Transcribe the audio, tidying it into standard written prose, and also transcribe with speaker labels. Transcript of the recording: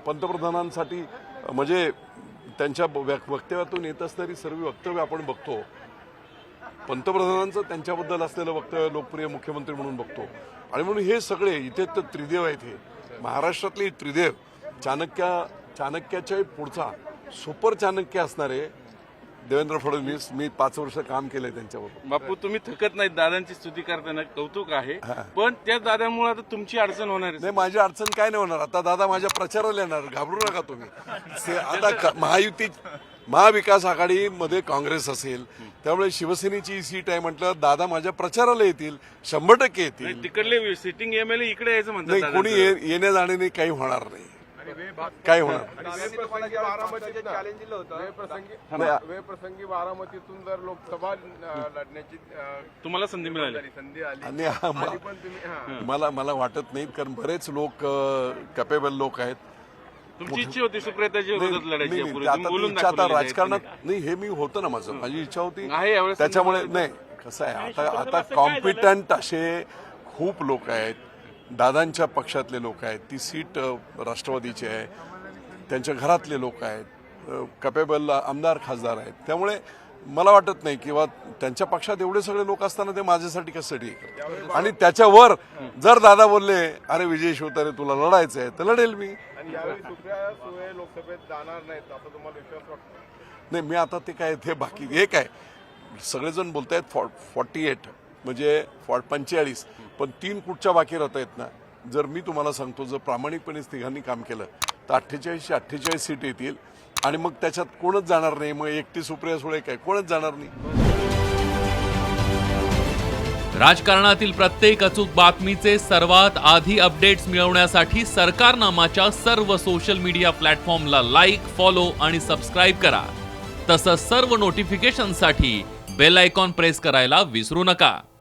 Speaker 1: पंतप्रधानांसाठी म्हणजे त्यांच्या वक्तव्यातून येत असणारी सर्व वक्तव्य आपण बघतो. पंतप्रधानांचं त्यांच्याबद्दल असलेलं वक्तव्य लोकप्रिय मुख्यमंत्री म्हणून बघतो. आणि म्हणून हे सगळे इथे तर त्रिदेव आहेत. हे महाराष्ट्रातले त्रिदेव चाणक्याच्या पुढचा सुपर चाणक्य असणारे देवेंद्र फडणवीस. मी 5 वर्ष काम केलंय त्यांच्याबरोबर.
Speaker 2: बापू, तुम्ही थकत नाही. दादांची स्तुती करताना कौतुक आहे, पण त्या दादामुळे आता तुमची अडचण होणार
Speaker 1: नाही. माझी अडचण काय नाही होणार. आता दादा माझ्या प्रचाराला येणार, घाबरू नका तुम्ही. आता महाविकास आघाडीमध्ये काँग्रेस असेल, त्यामुळे शिवसेनेची सीट आहे म्हटलं दादा माझ्या प्रचाराला येतील, 100% येतील.
Speaker 2: तिकडले सिटिंग एमएलए इकडे यायचं
Speaker 1: नाही,
Speaker 2: म्हणतात.
Speaker 1: कोणी येण्या जाण्याने काही होणार नाही. काय होणार
Speaker 3: प्रसंगी बारामतीतून जर लोकसभा लढण्याची
Speaker 2: तुम्हाला संधी मिळाली.
Speaker 1: आणि मला वाटत नाही, कारण बरेच लोक कॅपेबल लोक आहेत.
Speaker 2: तुमची इच्छा होती सुप्रियाताजी विरोधात लढायची.
Speaker 1: आता राजकारणात नाही, हे मी होतं ना, माझी इच्छा होती. त्याच्यामुळे नाही, कसं आहे, आता कॉम्पिटंट असे खूप लोक आहेत. दादांच्या पक्षातले लोक आहेत, ती सीट राष्ट्रवादीची आहे, त्यांच्या घरातले लोक आहेत, कॅपेबल आमदार खासदार आहेत. त्यामुळे मला वाटत नाही किंवा त्यांच्या पक्षात एवढे सगळे लोक असताना ते माझ्यासाठी कशासाठी करतात. आणि त्याच्यावर जर दादा बोलले अरे विजय शिवतारे तुला लढायचं आहे तर लढेल मी.
Speaker 3: लोकसभेत जाणार नाहीत असं तुम्हाला विश्वास वाटतो?
Speaker 1: नाही, मी आता ते काय ते बाकी हे काय सगळेजण बोलतायत 48 म्हणजे 45, पण 3 कुठच्या बाकी राहता येत ना. जर मी तुम्हाला सांगतो, जर प्रामाणिकपणे तिघांनी काम केलं तर 48 सीट येतील. आणि मग त्याच्यात कोणच जाणार नाही. मग एकटी सुप्रिया सुळे काय, कोणच जाणार नाही.
Speaker 4: राजकारणातील प्रत्येक अचूक बातमीचे सर्वात आधी अपडेट्स मिळवण्यासाठी सरकारनामाच्या सर्व सोशल मीडिया प्लॅटफॉर्मला लाईक, फॉलो आणि सबस्क्राईब करा. तसंच सर्व नोटिफिकेशनसाठी बेल आयकॉन प्रेस करायला विसरू नका.